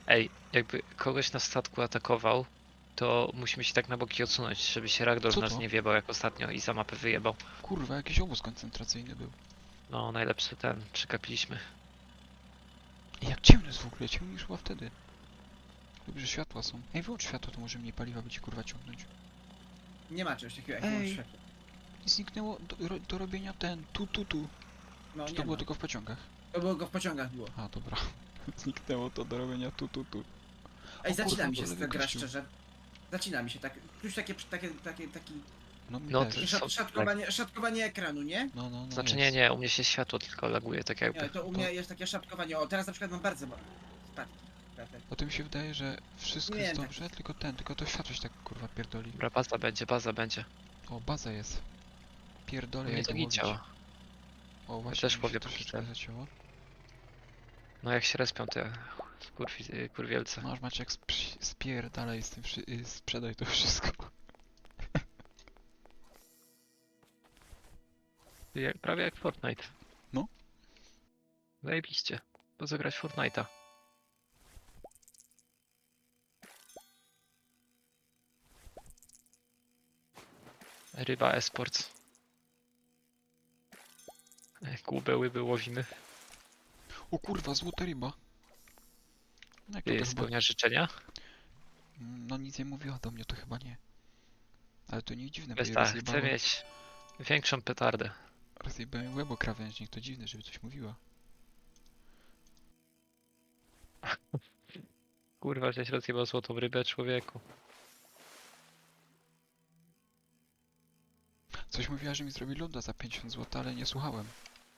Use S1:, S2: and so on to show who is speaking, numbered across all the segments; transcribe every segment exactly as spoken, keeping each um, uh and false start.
S1: Ej, jakby kogoś na statku atakował, to musimy się tak na boki odsunąć, żeby się Ragdoll
S2: Co
S1: w nas
S2: to?
S1: nie wjebał jak ostatnio i za mapę wyjebał.
S2: Kurwa, jakiś obóz koncentracyjny był.
S1: No, najlepszy ten, przekapiliśmy.
S2: Ej, jak ciemno jest w ogóle, ciemniej niż chyba wtedy. Dobrze, światła są. Ej, wyłącz światło, to może mniej paliwa będzie kurwa ciągnąć.
S3: Nie ma czegoś takiego jak
S2: Ej.
S3: wyłącz światło.
S2: I zniknęło do, ro, do robienia ten, tu, tu, tu.
S3: No
S2: Czy
S3: nie
S2: to było
S3: ma.
S2: tylko w pociągach?
S3: To było go w pociągach było.
S2: A, dobra. Zniknęło to do robienia tu, tu, tu.
S3: Ej,
S2: O
S3: zacina
S2: kurwa,
S3: mi się
S2: bo lewy
S3: ta gra
S2: kościół.
S3: szczerze. Zacina mi się tak. Już takie, takie, takie, taki
S2: No mi
S1: No,
S2: też.
S1: to-
S3: takie szat,
S1: są-
S3: szatkowanie, szatkowanie ekranu, nie?
S2: No, no, no
S1: Znaczy
S2: jest.
S1: nie, nie, u mnie się światło tylko laguje, tak jakby.
S3: Nie, to u mnie jest takie szatkowanie. O, teraz na przykład mam bardzo ma- spadki. Kratek.
S2: O tym się wydaje, że wszystko
S3: Nie,
S2: jest
S3: tak.
S2: dobrze, tylko ten, tylko to światło się tak kurwa pierdoli.
S1: Dobra, baza będzie, baza będzie.
S2: O, baza jest.
S1: U
S2: Pierdolę,
S1: mnie
S2: jak
S1: to
S2: go
S1: nie
S2: łowić.
S1: działa.
S2: O, właśnie,
S1: też
S2: mi
S1: powiem,
S2: się
S1: póki
S2: troszeczkę
S1: ten.
S2: zacięło.
S1: No jak się respią te kurwi, y, kurwielce.
S2: Masz Maciek, sp- spierdalaj z tym, wszy- y, sprzedaj to wszystko.
S1: Jak, prawie jak Fortnite.
S2: No.
S1: Zajebiście. Po co grać w Fortnite'a? Ryba Esports. Ej, Głupę łyby łowimy.
S2: O kurwa, złota ryba. No, jak to
S1: Ty
S2: chyba...
S1: spełnia życzenia?
S2: Mm, No nic nie mówiła do mnie, to chyba nie. Ale to nie dziwne, bo
S1: Wiesz
S2: jej
S1: tak,
S2: rozjebało,
S1: chcę mieć większą petardę.
S2: rozjebałem łebo krawężnik, to dziwne, żeby coś mówiła.
S1: Kurwa, żeś rozjebał złotą rybę, człowieku.
S2: Coś mówiła, że mi zrobi loda za pięćdziesiąt złotych, ale nie słuchałem.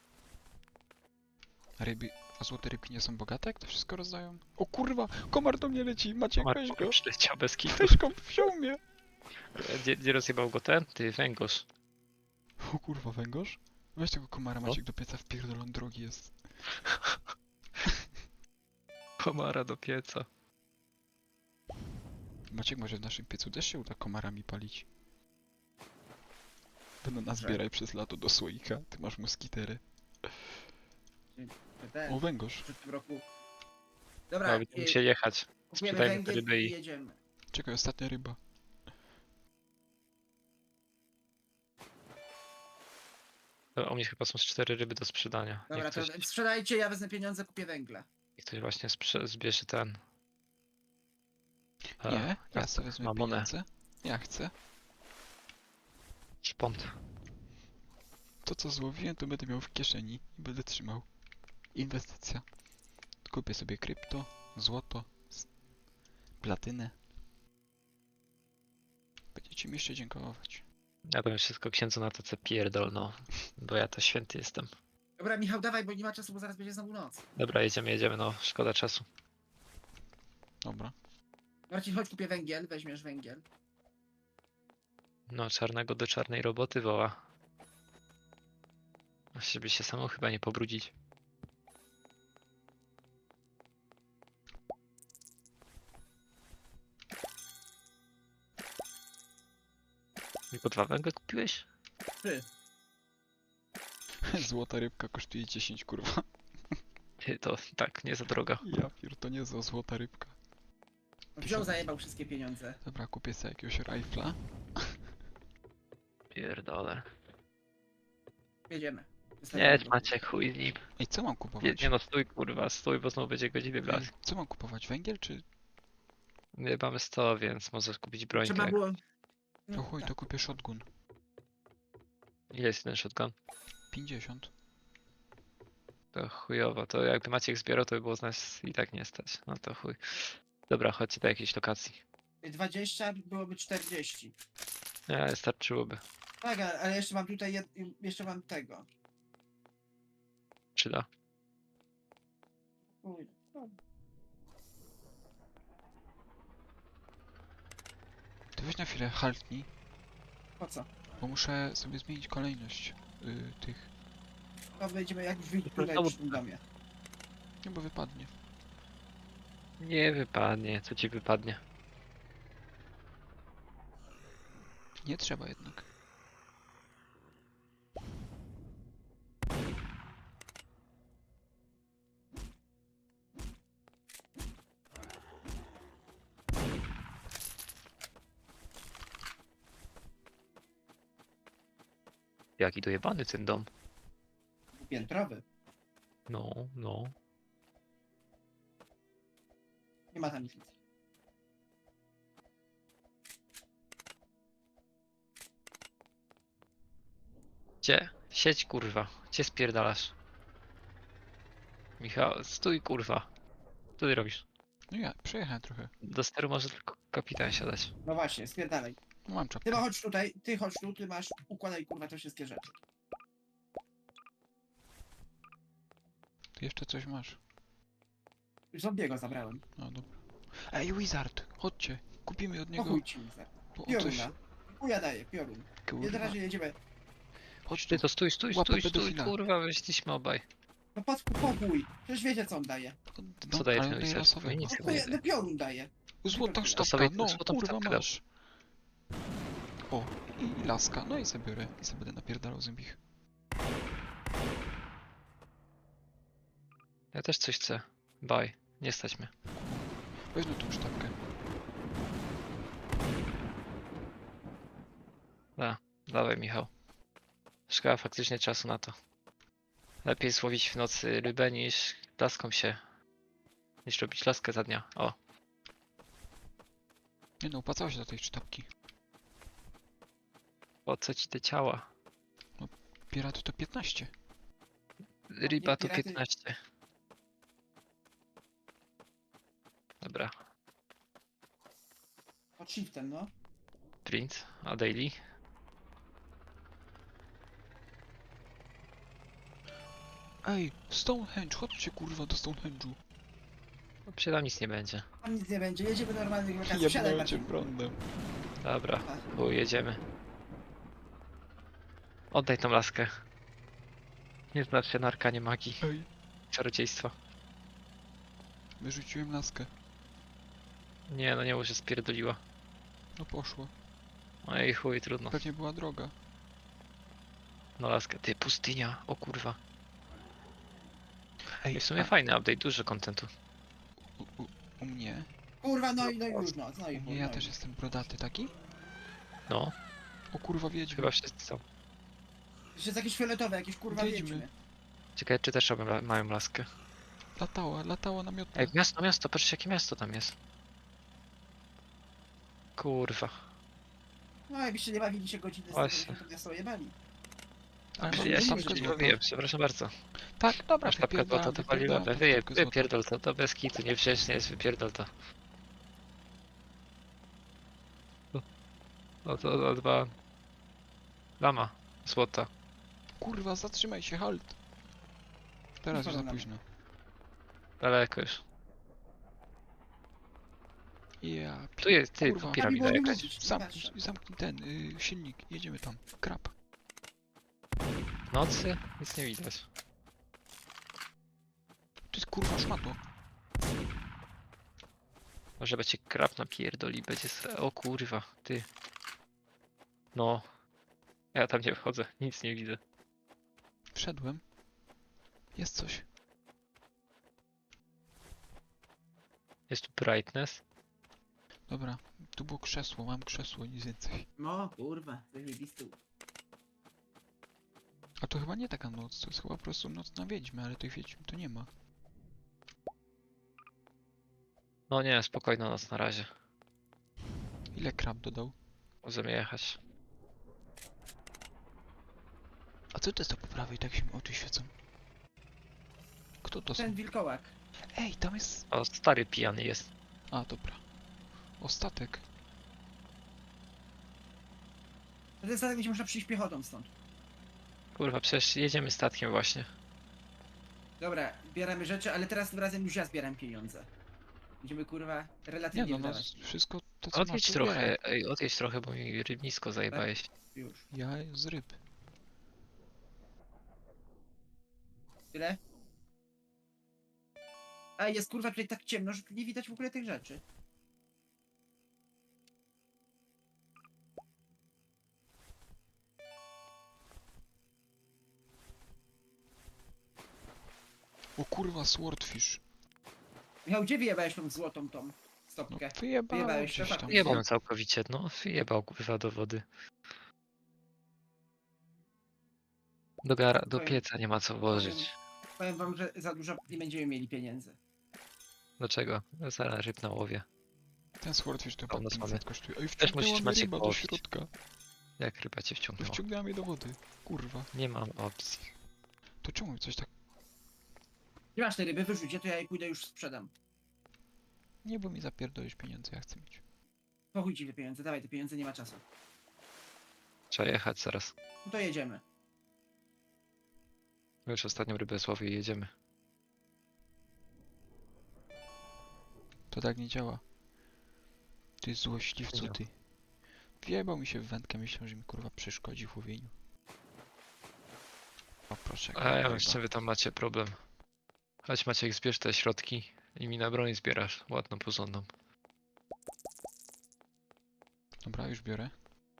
S2: A ryby, a złote rybki nie są bogate, jak to wszystko rozdają? O kurwa, komar do mnie leci, Maciek, weź go.
S1: Marko leciał bez kitu.
S2: Weź go, wziął mnie.
S1: Gdzie, gdzie rozjebał go ten? Ty, węgorz.
S2: O kurwa, węgorz? Weź tego komara,
S1: No.
S2: Maciek, do pieca wpierdolon drogi jest.
S1: Komara do pieca.
S2: Maciek, może w naszym piecu też się uda komarami palić. Będą nas zbieraj przez lato do słoika, ty masz moskitery.
S3: Ten,
S2: O, węgorz.
S3: w przyszłym roku.
S1: No,
S3: Dobra,
S1: będziemy
S3: i-
S1: musieli jechać.
S3: kupujemy
S1: sprzedajmy te
S3: węgiel
S1: ryby
S3: i
S1: i-
S3: jedziemy.
S2: Czekaj, ostatnia ryba.
S1: To u mnie chyba są z cztery ryby do sprzedania.
S3: Dobra,
S1: Niech
S3: to
S1: ktoś,
S3: sprzedajcie, ja wezmę pieniądze, kupię węgla.
S1: niech ktoś właśnie sprze- zbierze ten. A,
S2: Nie, ja
S1: jak
S2: sobie
S1: to?
S2: wezmę
S1: Mamonę.
S2: pieniądze. Ja chcę.
S1: Szpont.
S2: To co złowiłem, to będę miał w kieszeni i będę trzymał. Inwestycja. Kupię sobie krypto, złoto, s- platynę. Będziecie mi jeszcze dziękować.
S1: Ja powiem wszystko księdzu na to, co pierdol, no. Bo ja to święty jestem.
S3: Dobra, Michał, dawaj, bo nie ma czasu, bo zaraz będzie znowu noc.
S1: Dobra, jedziemy, jedziemy, no. Szkoda czasu.
S2: Dobra.
S3: Marcin, chodź, kupię węgiel, weźmiesz węgiel.
S1: No, czarnego do czarnej roboty woła. Żeby się samą chyba nie pobrudzić. Tylko dwa węgle kupiłeś?
S3: Ty,
S2: Złota rybka kosztuje dziesięć, kurwa.
S1: Ty, to tak, nie za droga.
S2: Ja pier, to nie za złota rybka.
S3: wziął, zajebał wszystkie pieniądze.
S2: Dobra, kupię sobie jakiegoś rifla.
S1: Pierdolę.
S3: Jedziemy.
S1: Nie,
S3: Wystawiamy.
S1: Maciek, chuj z nim.
S2: Ej, co mam
S1: Nie,
S2: kupować?
S1: nie no, stój kurwa, stój, bo znowu będzie godziny
S2: Ej,
S1: blas.
S2: co mam kupować? Węgiel czy...
S1: Nie mamy sto, więc możesz kupić brońkę.
S3: Trzeba było...
S2: O
S3: No,
S2: chuj,
S3: tak.
S2: to kupię shotgun.
S1: Ile jest ten shotgun?
S2: pięćdziesiąt.
S1: To chujowo, to jakby Maciek zbierał, to by było z nas i tak nie stać. No to chuj. Dobra, chodźcie do jakiejś lokacji.
S3: dwadzieścia byłoby czterdzieści.
S1: Nie, starczyłoby.
S3: Tak, a- ale jeszcze mam tutaj, jed... jeszcze mam tego.
S1: Przyda.
S3: Uj, no.
S2: Ty weź na chwilę, haltnij,
S3: Po co?
S2: bo muszę sobie zmienić kolejność y, tych.
S3: To będziemy jak w
S1: To
S3: tutaj
S1: znowu-
S3: przy tym domie.
S2: Nie, bo wypadnie.
S1: Nie wypadnie, co ci wypadnie?
S2: Nie trzeba jednak.
S1: Jaki dojebany ten dom.
S3: Piętrowy.
S1: No, no.
S3: Nie ma tam nic.
S1: Gdzie? Siedź kurwa. Gdzie spierdalasz? Michał, stój kurwa. Co ty robisz?
S2: No ja, przejechałem trochę.
S1: Do steru może tylko kapitan siadać.
S3: No właśnie, spierdalaj.
S2: No mam
S3: Ty
S2: czapkę.
S3: ma chodź tutaj, ty chodź tu, ty masz, układaj kurwa te wszystkie rzeczy.
S2: Ty jeszcze coś masz.
S3: Już zombiego zabrałem.
S2: No dobra. Ej, Wizard, chodźcie. Kupimy od niego.
S3: Pochuj ci mi za.
S2: Bo on coś...
S3: Pioruna. Chuja daje, piorun. I na
S2: Kurwa.
S3: razie jedziemy.
S2: Chodź tu.
S1: Ty to stój, stój,
S2: Łapę
S1: stój, stój,
S2: pedofila.
S1: kurwa, weźliśmy obaj.
S3: No pod pochuj. Przecież wiecie co on daje.
S2: No,
S1: Co daje
S2: ale
S1: ten
S2: daje
S1: Wizard?
S2: losowego.
S1: Nic
S3: No,
S1: nie
S3: chuja,
S1: daje.
S3: no piorun daje.
S2: Złota
S3: To
S2: sztabka,
S1: sobie
S2: no
S1: złotą
S2: kurwa
S1: sztabkę
S2: masz. O, i laska, no i sobie biorę. I sobie będę napierdalał zębich.
S1: Ja też coś chcę. Baj, nie stać mnie.
S2: Weźmy tą sztabkę.
S1: Dawaj Michał. Szkoda faktycznie czasu na to. Lepiej złowić w nocy rybę niż laską się. Niż robić laskę za dnia. O,
S2: Nie no, opłacało się do tej sztabki.
S1: po co ci te ciała?
S2: Piraty to piętnaście.
S1: Ryba to
S3: piraty-
S1: piętnaście. Dobra,
S3: Pod shiftem, no.
S1: print, a daily?
S2: Ej, Stonehenge, chodźcie kurwa do Stonehenge'u.
S1: No, przy tam nic nie będzie.
S3: Tam nic nie będzie, jedziemy normalnych wakacji. Siadaj
S2: Jebnąłem cię
S3: Marcin.
S2: prądem.
S1: Dobra,
S3: A,
S1: bo jedziemy. Oddaj tą laskę. Nie znasz się na arkanie magii,
S2: Ej,
S1: czarodziejstwa.
S2: wyrzuciłem laskę.
S1: Nie, no nie może spierdoliła.
S2: No poszło.
S1: Ej chuj, trudno.
S2: Pewnie była droga.
S1: No laskę, ty, pustynia, o kurwa.
S2: Ej,
S1: I w sumie
S2: a
S1: fajny update, dużo kontentu.
S2: u, u, u mnie?
S3: kurwa, no i no i już no, no i
S2: U
S3: chuj,
S2: mnie ja
S3: no i
S2: też
S3: chuj.
S2: jestem brodaty taki?
S1: No,
S2: O kurwa wiedźmy.
S1: chyba wszyscy są.
S3: Jeszcze jest jakieś fioletowe, jakieś kurwa
S2: Wiedźmy.
S3: wiedźmy.
S1: Ciekawe, czy też robią, la- mają laskę.
S2: Latała, latała namiotna.
S1: Ej, miasto, miasto, patrzcie jakie miasto tam jest. Kurwa.
S3: No jakbyście nie bawili się godziny z tego,
S1: Właśnie.
S3: to miasto jebali.
S2: Ale
S3: Ja
S2: mam
S1: Ja się
S2: sztabkę
S3: nie
S1: nie
S2: złota.
S1: bawiłem, przepraszam bardzo.
S2: Tak, dobra,
S1: Masz sztabkę
S2: wypierdalam,
S1: złota, to pali
S2: wypierdalam
S1: lawę.
S2: tą
S1: Wyje,
S2: sztabkę złota.
S1: wypierdol to, to bez kitu, niewdzięcznie jest, wypierdol to. O, to, o, dwa... Lama, złota.
S2: Kurwa, zatrzymaj się, halt. Teraz już za
S3: Wypadam.
S2: późno.
S1: Daleko już.
S2: Ja,
S1: Tu jest, ty,
S2: Kurwa.
S1: tu piramida
S3: Tam nie było
S1: jakaś.
S3: mówić,
S2: zamknij,
S3: patrzę.
S2: zamknij ten y, silnik, jedziemy tam. Krab.
S1: W nocy? Nic nie widać.
S2: To jest kurwa szmato.
S1: Może będzie krab napierdoli, będzie... s- O kurwa, ty. No. Ja tam nie wchodzę, nic nie widzę.
S2: Wszedłem. Jest coś.
S1: Jest tu brightness.
S2: Dobra, tu było krzesło, mam krzesło, nic więcej.
S3: No kurwa, zajebisty.
S2: A to chyba nie taka noc, to jest chyba po prostu noc na wiedźmę, ale tych wiedźm tu nie ma.
S1: No nie, spokojna noc na razie.
S2: Ile krab dodał?
S1: Możemy jechać.
S2: A co to jest to po prawej, tak się mi oczy świecą? Kto to są?
S3: Ten wilkołak.
S2: Ej, tam jest...
S1: O, stary pijany jest.
S2: A, dobra. O, statek.
S3: To jest tak, gdzie można przyjść piechotą stąd.
S1: Kurwa, przecież jedziemy statkiem właśnie.
S3: Dobra, bieramy rzeczy, ale teraz tym razem już ja zbieram pieniądze. Będziemy kurwa
S2: Nie
S3: relatywnie
S2: no, no,
S3: wydawać.
S2: wszystko to co masz,
S1: Odjedź
S2: to
S1: trochę,
S2: zbieraj.
S1: ej, odjedź trochę, bo mi rybnisko zajebałeś.
S3: Już.
S2: Ja z ryb.
S3: Tyle? A jest kurwa tutaj tak ciemno, że tu nie widać w ogóle tych rzeczy.
S2: O kurwa, swordfish.
S3: Michał, gdzie wyjebałeś tą złotą tą
S2: No,
S3: stopkę?
S2: wyjebałem
S3: Wyjebałeś,
S2: gdzieś
S3: to
S2: tam.
S1: Wyjebał całkowicie, no wyjebał kurwa do wody. Do, gara, do
S3: Powiem-
S1: pieca nie ma co włożyć.
S3: Powiem wam, że za dużo nie będziemy mieli pieniędzy.
S1: Dlaczego? No zaraz ryb na łowie.
S2: Ten swordfish to
S1: To u
S2: chyba
S1: nas
S2: pięćset
S1: mamy.
S2: kosztuje. Oj,
S1: Też musisz
S2: wciągnęła mnie
S1: Maciek
S2: ryba do
S1: połowić.
S2: środka.
S1: Jak ryba cię
S2: No,
S1: wciągnęła?
S2: wciągnęła mnie do wody. Kurwa.
S1: Nie mam opcji.
S2: To czemu coś tak...
S3: Nie masz te ryby, wyrzuć je, to ja je pójdę już sprzedam.
S2: Nie, bo mi zapierdolisz pieniądze, ja chcę mieć.
S3: Po chuj ci te pieniądze, dawaj te pieniądze, nie ma czasu.
S1: Trzeba jechać zaraz.
S3: No to jedziemy.
S1: My już ostatnią rybę złowię i jedziemy.
S2: To tak nie działa. Ty złośliwcu,
S1: Nie.
S2: ty. Wjebał mi się w wędkę, myślał, że mi kurwa przeszkodzi w łowieniu. O proszę.
S1: A ja
S2: ryba.
S1: wiem, z czym wy tam macie problem. Chodź Maciek, zbierz te środki i mi na broń zbierasz. Ładną, porządną.
S2: Dobra, już biorę.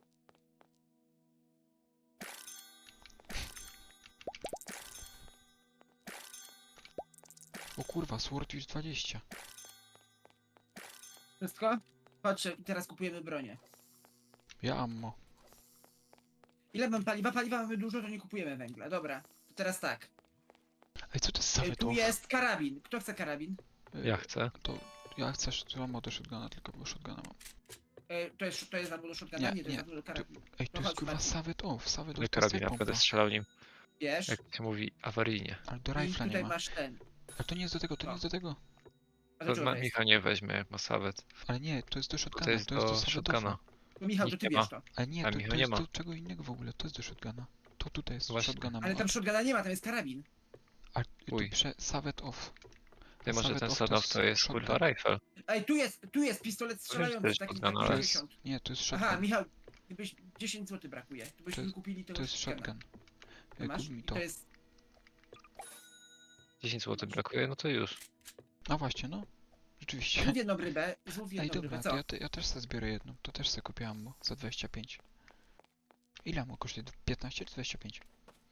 S2: O kurwa, Swordfish dwadzieścia.
S3: Wszystko? Patrzę, i teraz kupujemy bronię.
S2: Ja ammo.
S3: Ile mam paliwa? Paliwa mamy dużo, to nie kupujemy węgla. Dobra, to teraz tak.
S2: Ej, co to jest
S3: E,
S2: sawet
S3: Tu
S2: off?
S3: jest karabin. Kto chce karabin?
S2: E,
S1: Ja chcę.
S2: To ja chcę sz- ammo do shotguna, tylko bo shotguna mam.
S3: E, To jest, to jest za dużo shotguna?
S2: Nie,
S3: Nie, to jest
S2: nie.
S3: za dużo karabin.
S2: Ej, to
S3: No
S2: jest
S3: chodź,
S2: kurwa
S3: Marcin.
S2: sawet off, sawet
S1: Do
S2: off to jest
S1: karabina
S2: pompa.
S1: będę strzelał nim.
S3: Wiesz?
S1: Jak się mówi, awaryjnie.
S2: Ale do
S3: I
S2: rifla nie
S3: tutaj
S2: ma.
S3: masz ten.
S2: Ale to nie jest do tego, to nie
S3: O.
S2: jest do tego.
S3: A
S1: To
S3: to
S1: ma,
S3: jest?
S1: Michał nie weźmie, jak ma sawet.
S2: Ale nie, to jest do shotguna,
S1: To jest
S2: to jest do
S1: do
S2: sawet
S1: shotguna.
S2: offa.
S3: To Michał, to
S1: Nikt
S3: ty
S1: nie ma.
S3: wiesz to.
S2: Ale nie,
S1: A
S2: to,
S1: Michał
S2: to
S1: nie
S2: jest
S1: ma.
S2: do czego innego w ogóle, to jest do shotguna. To tutaj jest
S1: Właśnie.
S2: shotguna.
S3: Ale
S2: mam,
S3: tam
S2: a-
S3: shotguna nie ma, tam jest karabin.
S2: A tu
S1: Uj.
S2: prze... Sawet off.
S1: Ty może
S2: Sawet
S1: ten
S2: off
S1: Sadow to jest
S2: shotgun.
S1: kurwa rifle.
S3: Ej, tu jest, tu jest pistolet
S1: to
S3: strzelający,
S1: jest
S3: taki za
S1: shotgun, ale-
S3: pięćdziesiąt.
S2: Nie, to jest
S3: Aha,
S2: shotgun.
S3: Michał, gdybyś dziesięć złotych brakuje. To byśmy
S2: To jest-
S3: kupili tego
S2: To jest
S3: shotguna.
S2: shotgun.
S3: To
S2: E,
S3: masz?
S2: Kup mi
S3: I
S2: to.
S3: to jest...
S1: dziesięć złotych brakuje, no to już.
S2: No właśnie, no. Rzeczywiście.
S3: Złów jedną rybę, złów
S2: Ej,
S3: jedną
S2: dobra,
S3: rybę,
S2: to
S3: co?
S2: ja, te, ja też sobie zbiorę jedną. To też sobie kupię ammo za dwadzieścia pięć. Ile ammo kosztuje? piętnaście czy dwadzieścia pięć?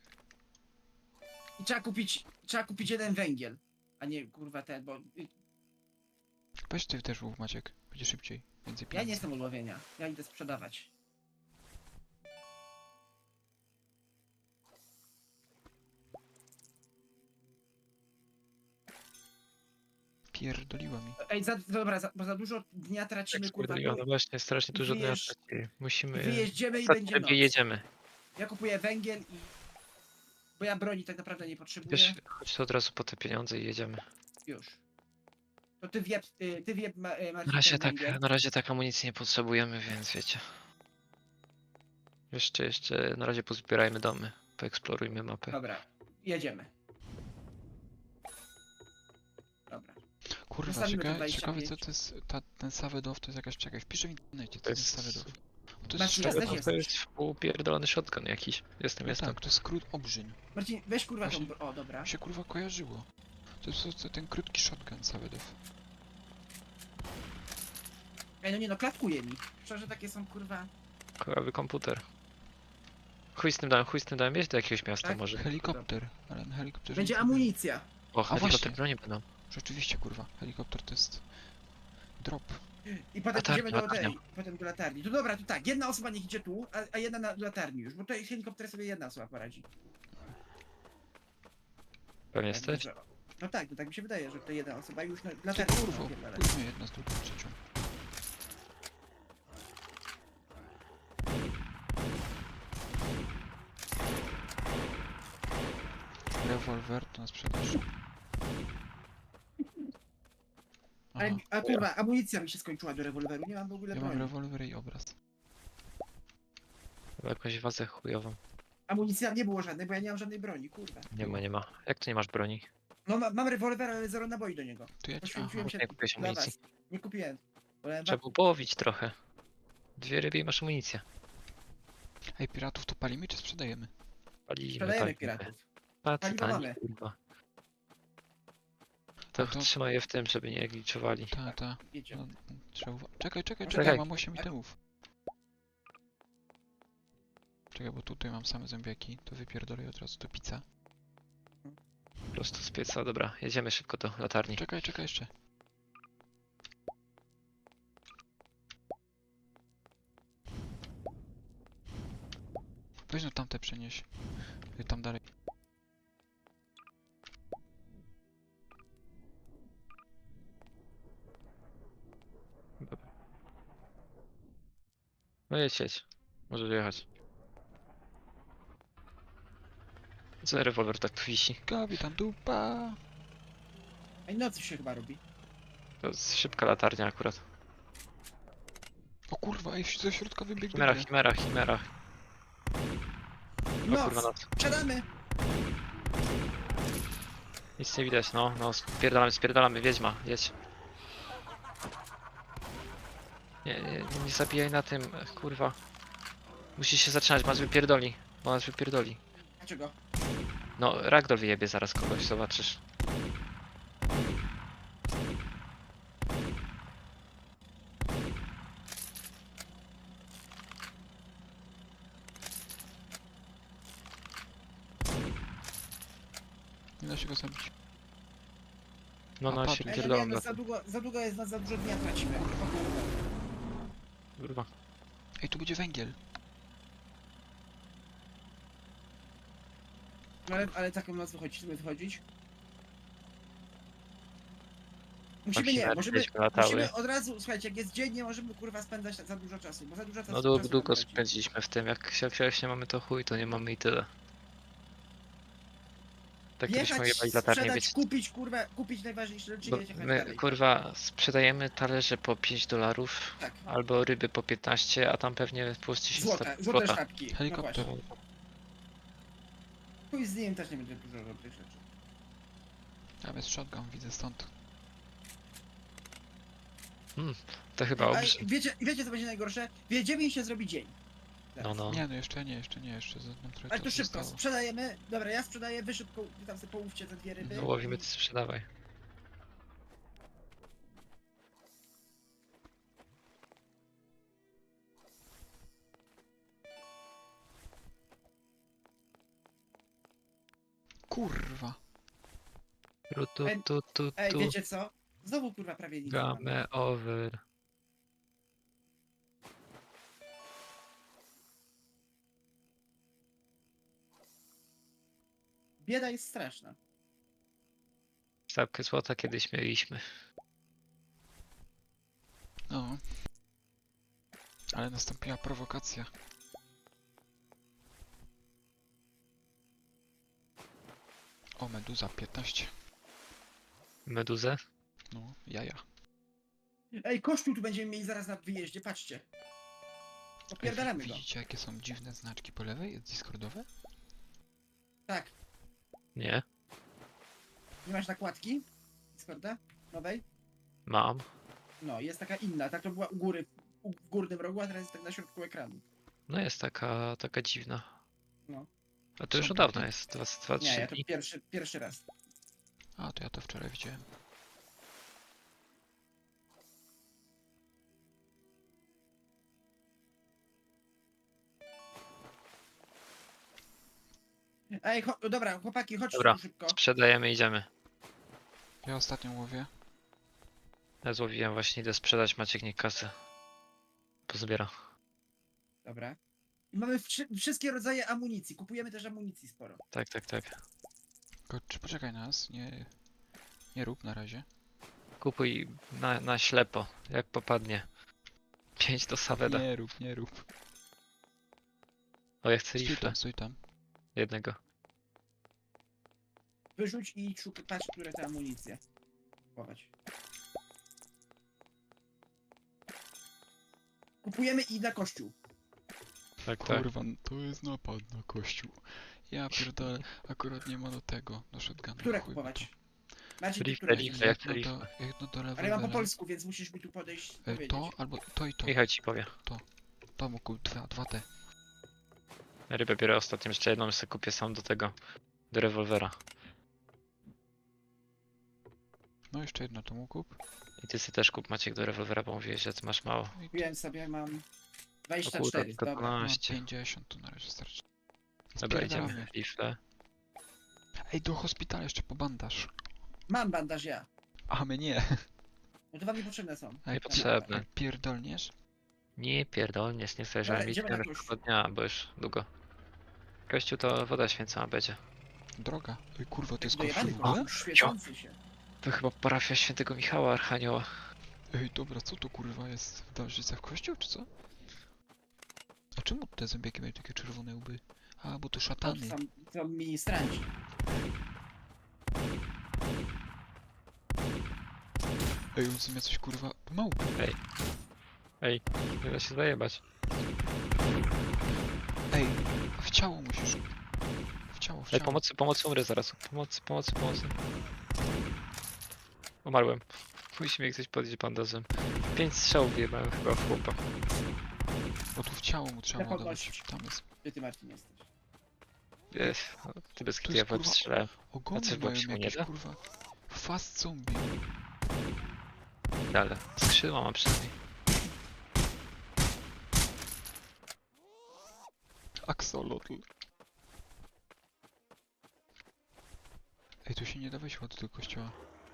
S3: I trzeba kupić, trzeba kupić jeden węgiel. A nie kurwa ten, bo... y,
S2: Weź ty też łów, Maciek. Będzie szybciej. Więcej
S3: Ja
S2: pieniędzy.
S3: nie jestem od łowienia. Ja idę sprzedawać.
S2: Pierdoliła mi.
S3: Ej, za, dobra, za, bo za dużo dnia tracimy,
S1: Jak
S3: kurwa.
S1: skurde, no właśnie, strasznie dużo dnia
S3: wyjeżdż-
S1: traci. Musimy...
S3: Wyjeździemy i
S1: Za
S3: będzie noc.
S1: ciebie jedziemy.
S3: Ja kupuję węgiel i... Bo ja broni tak naprawdę nie potrzebuję.
S1: Wiesz, chodź to od razu po te pieniądze i jedziemy.
S3: Już. To ty wieb, y, ty wieb, ma, y,
S1: Na
S3: Marcin,
S1: razie
S3: ten
S1: tak,
S3: węgiel.
S1: na razie tak amunicji nie potrzebujemy, więc wiecie. Jeszcze, jeszcze, na razie pozbierajmy domy. Poeksplorujmy mapę.
S3: Dobra, jedziemy. Dobra.
S2: Kurwa,
S3: Zostawimy to
S2: ciekawe,
S3: dwadzieścia
S2: ciekawe
S3: pięć.
S2: co to jest ta, ten Savedow, to jest jakaś, czekaj, wpiszę w internecie, co
S1: To
S2: to jest
S1: jest-
S2: Savedow. To jest
S3: Maciej,
S2: shotgun.
S3: jesteś?
S1: To jest upierdolony shotgun jakiś. Jestem,
S2: No
S1: jestem.
S2: tak, to jest skrót obrzyń.
S3: Marcin, weź kurwa tą...
S2: Właśnie-
S3: bro- O, dobra.
S2: Mi się kurwa kojarzyło. To jest to, to ten krótki shotgun Savedow.
S3: Ej, no nie no, klatkuje mi. Szczerze, takie są kurwa...
S1: Kojowy komputer. Chuj z tym dałem, chuj z tym dałem. Jeźdź do jakiegoś miasta
S3: Tak?
S1: może.
S2: Helikopter, ale na helikopterze
S3: Będzie
S2: nic nie było.
S3: amunicja.
S1: O,
S2: właśnie.
S1: helikopter broni będą.
S2: Rzeczywiście kurwa, helikopter to jest drop.
S3: I potem
S1: Latarnia,
S3: idziemy do
S1: latarnia.
S3: tej, potem do latarni. To dobra, to tak, jedna osoba niech idzie tu, a, a jedna na do latarni już, bo tutaj helikopter sobie jedna osoba poradzi.
S1: Pewnie
S3: Tak,
S1: jesteś?
S3: że- No tak, no tak mi się wydaje, że to jedna osoba już na
S2: Ty
S3: latarni.
S2: kurwo,
S3: napierdala.
S2: kurwa jedna z drugą trzecią. Rewolwer to na sprzedaż. Aha,
S3: Ale, a kurwa, amunicja mi się skończyła do rewolweru, nie mam w ogóle
S2: ja mam
S3: broni.
S2: rewolwer i obraz.
S1: Chyba jakąś wazę chujową.
S3: Amunicja nie było żadnej, bo ja nie mam żadnej broni, kurwa.
S1: Nie ma, nie ma. Jak to nie masz broni?
S3: No ma, mam rewolwer, ale zero naboi do niego.
S2: To ja ci...
S3: Poświęciłem
S2: Aha,
S3: się
S1: nie kupiłeś
S3: dla
S1: amunicji.
S3: was. Nie kupiłem. Wolałem
S1: Trzeba
S3: wa-
S1: było połowić trochę. Dwie ryby i masz amunicję.
S2: ej, piratów to palimy czy sprzedajemy?
S1: Palimy,
S3: Sprzedajemy
S1: palimy.
S3: piratów.
S1: Tacy
S3: Paliwo
S1: tani,
S3: mamy.
S1: kurwa. To,
S2: to-
S1: trzymaj je w tym, żeby nie gliczowali.
S2: Ta, ta.
S3: Wiecie.
S2: No, trzeba uwa- Czekaj, czekaj,
S3: Czekaj.
S2: czekaj, mam osiem itemów. Czekaj, bo tutaj mam same zębiaki, to wypierdolę od razu do pizza.
S1: Prosto z pieca, dobra. Jedziemy szybko do latarni.
S2: Czekaj, czekaj jeszcze. Weź no tamte przenieś. Y, Tam dalej.
S1: No jedź, jedź. Możesz jechać. Co rewolwer tak tu wisi?
S2: Kapitan dupa.
S3: Ej, nocy się chyba robi.
S1: To jest szybka latarnia akurat.
S2: O kurwa, ej, ze środka wybiegł do
S1: Chimera,
S2: mnie.
S1: chimera, chimera. O kurwa,
S3: Noc!
S1: noc.
S3: Sprzedamy!
S1: Nic nie widać, no, no, spierdalamy, spierdalamy, wiedźma, jedź. Nie, nie, nie zabijaj na tym, ech, kurwa. Musisz się zatrzymać, bo nas wypierdoli, bo nas wypierdoli.
S3: Dlaczego?
S1: No, ragdoll wyjebie zaraz kogoś, zobaczysz.
S2: Nie da się go zabić.
S1: No,
S2: A
S1: no,
S2: patrz.
S1: się
S3: Ej, no nie,
S1: pierdolą
S3: no
S1: na
S3: za
S1: tym,
S3: długo, za długo jest, no za dużo dnia tracimy. O kurwa.
S1: kurwa.
S2: Ej, tu będzie węgiel.
S3: No ale, ale taką noc wychodzić, żeby wychodzić. Musimy nie,
S1: chimery
S3: możemy,
S1: wiedźmy latały.
S3: musimy od razu, słuchajcie, jak jest dzień, nie możemy kurwa spędzać za dużo czasu, bo za dużo czasu
S1: No długo,
S3: czasu
S1: długo
S3: nam traci.
S1: spędziliśmy w tym, jak, jak, jak nie mamy to chuj, to nie mamy i tyle. Tak byśmy
S3: Jechać,
S1: jebali latarnię,
S3: sprzedać,
S1: wiecie.
S3: kupić kurwa, kupić najważniejsze rzeczy
S1: Bo
S3: i jechać
S1: my,
S3: dalej.
S1: kurwa, sprzedajemy talerze po pięć dolarów,
S3: Tak.
S1: albo ryby po piętnaście, a tam pewnie puści się
S3: Złota,
S1: sta-
S3: złote
S1: złota.
S3: sztabki.
S2: Helikopter.
S3: No właśnie. Chuj z nim też nie będzie dużo tych rzeczy.
S2: Tam jest shotgun, widzę stąd.
S1: To chyba
S3: A
S1: obrzy.
S3: wiecie, wiecie co będzie najgorsze? Wiedziemy i się zrobi dzień.
S1: No,
S3: Teraz.
S1: no.
S2: Nie, no jeszcze nie, jeszcze nie, jeszcze za nam trochę
S3: Ale to
S2: czasu
S3: szybko,
S2: zostało.
S3: sprzedajemy. Dobra, ja sprzedaję, wy szybko, wy tam sobie połówcie te dwie ryby.
S1: No, łowimy, ty sprzedawaj.
S2: Kurwa.
S1: Tu, tu,
S3: Ej,
S1: tu, tu,
S3: Ej,
S1: tu.
S3: wiecie co? Znowu kurwa prawie nic. nie mamy.
S1: Game over.
S3: Bieda jest straszna.
S1: Stawkę złota kiedyś mieliśmy.
S2: No. Ale nastąpiła prowokacja. O, meduza piętnaście.
S1: Meduzę?
S2: No, jaja.
S3: Ej, kościół tu będziemy mieli zaraz na wyjeździe, patrzcie.
S2: Ej,
S3: Opierdalamy
S2: wi-
S3: go.
S2: widzicie jakie są dziwne znaczki po lewej? Discordowe?
S3: Tak.
S1: Nie.
S3: Nie masz nakładki? Discorda? Nowej?
S1: Mam.
S3: No, jest taka inna. Tak to była u góry, u, w górnym rogu, a teraz jest tak na środku ekranu.
S1: No jest taka, taka dziwna.
S3: No.
S1: A to już
S2: Są
S1: od dawna
S2: takie-
S1: jest, dwa, dwa
S3: Nie,
S1: trzy
S3: ja to
S1: dni.
S3: pierwszy, pierwszy raz.
S2: A, to ja to wczoraj widziałem.
S3: Ej, cho dobra, chłopaki, chodźcie
S1: Dobra.
S3: tu szybko.
S1: Sprzedajemy, idziemy.
S2: Ja ostatnią łowię.
S1: Ja złowiłem właśnie, idę sprzedać, Maciek niech kasę pozbiera.
S3: Dobra. I mamy wszy wszystkie rodzaje amunicji. Kupujemy też amunicji sporo.
S1: Tak, tak, tak.
S2: Tylko, czy poczekaj na nas, nie... Nie rób na razie.
S1: Kupuj na, na ślepo, jak popadnie. Pięć do Saveda.
S2: Nie rób, nie rób.
S1: O, ja chcę
S2: Stój
S1: rifle.
S2: tam, stój tam.
S1: Jednego.
S3: Wyrzuć i szukaj, patrz, które te amunicje. Kupować. Kupujemy i na kościół.
S1: Tak, tak.
S2: Kurwa, to jest napad na kościół. Ja pierdolę, akurat nie ma do tego, do shotguna.
S3: Które
S2: chuj
S3: kupować?
S2: mi
S3: Macie
S1: Rifle,
S3: które
S1: rifle,
S3: chcecie?
S1: jak to
S2: Jedno do,
S1: rifle?
S2: jedno do
S3: Ale ja mam po
S2: rewolwera.
S3: polsku, więc musisz mi tu podejść i
S2: E,
S3: powiedzieć.
S2: To, albo to i to.
S1: Michał ci powie.
S2: To mógł dwa, dwa te.
S1: Rybę biorę ostatnią, jeszcze jedną sobie kupię sam do tego. Do rewolwera.
S2: No jeszcze jedno to mógł kup.
S1: I ty sobie też kup, Maciek, do rewolwera, bo mówiłeś, że ty masz mało.
S2: No i
S3: Kupiłem sobie, mam
S1: O
S3: dwadzieścia
S1: kurde,
S3: cztery,
S1: tylko
S3: dobra.
S2: mam
S1: dwanaście.
S2: pięćdziesiąt, to na razie starczy.
S1: Dobra,
S2: Spierdalamy.
S1: idziemy. Rifle.
S2: Ej, do hospitala jeszcze po bandaż.
S3: Mam bandaż ja.
S2: A my nie.
S3: No to wam niepotrzebne są.
S2: Ej,
S1: Niepotrzebne.
S2: ej, pierdolniesz?
S1: Nie pierdolniesz, nie chcę,
S3: Dobra,
S1: żeby mieć
S3: idziemy na
S1: następnego dnia, bo już długo. Kościół to woda święcona będzie.
S2: Droga. Ej, kurwa, to jest
S3: Dojebany
S2: kościół w ogóle?
S3: kościół, świecący się.
S1: To chyba parafia świętego Michała Archanioła.
S2: Ej, dobra, co to kurwa jest? W Darżycach kościół, czy co? A czemu te zombiaki mają takie czerwone łby? A, bo to
S3: To
S2: szatany.
S3: są, to ministranci.
S2: Ej, on zamiast coś kurwa... Małpy.
S1: Ej, nie da się zajebać.
S2: Ej, w ciało musisz. W ciało, w
S1: Ej,
S2: ciało.
S1: pomocy, pomocy, umrę zaraz. Pomocy, pomocy, pomocy. Umarłem. Musi mnie ktoś podnieść bandazem. Pięć strzałów wyjebałem chyba w chłopa.
S2: O, tu w ciało mu trzeba
S3: Ja
S2: ładować.
S3: podnoś.
S2: Tam jest.
S3: Gdzie ty, Marcin, jesteś?
S1: Ech, ty bez
S2: Tu
S1: kitu
S2: jest,
S1: ja w łeb
S2: kurwa,
S1: strzelałem.
S2: Ogony
S1: coś
S2: mają
S1: się mu nie
S2: jakieś
S1: da?
S2: kurwa. Fast zombie.
S1: Ale skrzydła mam przynajmniej.
S2: Axolotl. Ej, tu się nie da wejść ładnie do kościoła.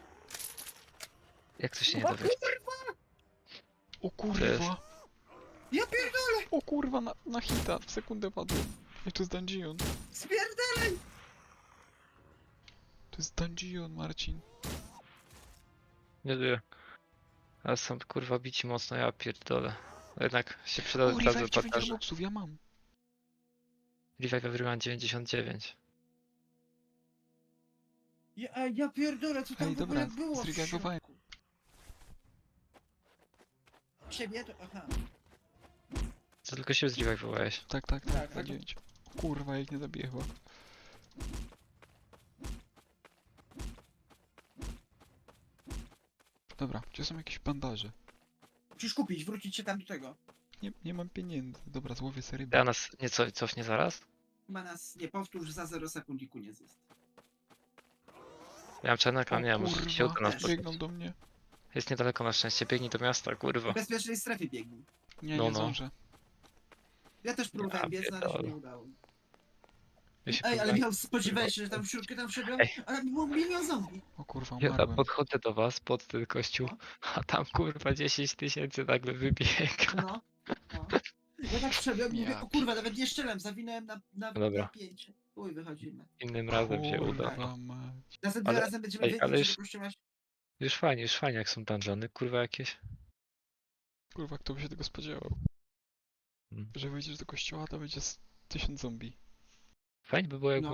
S1: Jak to się nie da wyjść?
S2: O
S1: jest?
S2: kurwa!
S3: Ja pierdolę!
S2: O kurwa, na, na hita, w sekundę padłem. Ej, to jest dungeon.
S3: Spierdolę!
S2: To jest dungeon, Marcin.
S1: Nie żyję. Ale są kurwa bici mocno, ja pierdolę. Jednak się przyda
S2: O,
S1: od razu
S2: revive dziewięć
S1: patarze.
S2: robuxów, ja mam.
S1: Revive everyone dziewięćdziesiąt dziewięć.
S3: Ja, a ja pierdolę, co tam
S2: Ej,
S3: w ogóle
S2: dobra,
S3: było w
S2: zreagowałem.
S3: środku? Siebie to... Aha.
S1: Co tylko się zrevive'owałeś.
S2: Tak, tak,
S3: Tak,
S2: tak,
S3: tak.
S2: na dziewięć. Kurwa, jak nie zabiję chyba. Dobra, gdzie są jakieś bandaże?
S3: Musisz kupić, wrócić się tam do tego.
S2: Nie, nie mam pieniędzy. Dobra, złowię sobie ryby.
S1: Ja nas nieco cofnie zaraz.
S3: Chyba nas nie powtórz za zero sekund i koniec jest.
S1: Ja mam czarnek,
S2: O
S1: ale nie, może się uda nas
S3: też.
S1: spotkać.
S2: biegną do mnie.
S1: Jest niedaleko na szczęście, biegnij do miasta,
S3: W
S1: kurwa.
S3: bezpiecznej strefie biegnij.
S2: Nie,
S1: No,
S2: nie
S1: no.
S2: zdążę.
S3: Ja też próbowałem
S1: Ja
S3: biec, no, ale się
S1: pierdolę.
S3: nie udało.
S1: Ja się
S3: Ej, ale
S1: próbowałem-
S3: Michał, spodziewałeś się, że tam w środku tam wszedłem?
S1: Ej.
S3: Ale było milion zombie.
S2: O kurwa,
S1: Ja
S2: umarłem.
S1: podchodzę do was pod ten kościół,
S3: No.
S1: a tam kurwa dziesięć tysięcy nagle wybiega.
S3: No. no. Ja tak wszedłem i mówię,
S2: Ja
S3: o kurwa, nawet nie strzelam, zawinąłem na, na,
S1: No dobra.
S3: na pięć. Uj, wychodzimy.
S1: Innym razem się uda.
S2: Kurwa
S1: No.
S2: mać.
S3: Następnym
S1: Ale-
S3: razem będziemy
S1: ej,
S3: wiedzieć,
S1: ale
S3: że
S1: już-
S3: do kościoła...
S1: Już fajnie, już fajnie jak są dungeony, kurwa jakieś.
S2: Kurwa, kto by się tego spodziewał?
S1: Hmm.
S2: Że wyjdziesz do kościoła, to będzie z tysiąc zombie.
S1: Fajnie by było jak
S3: No.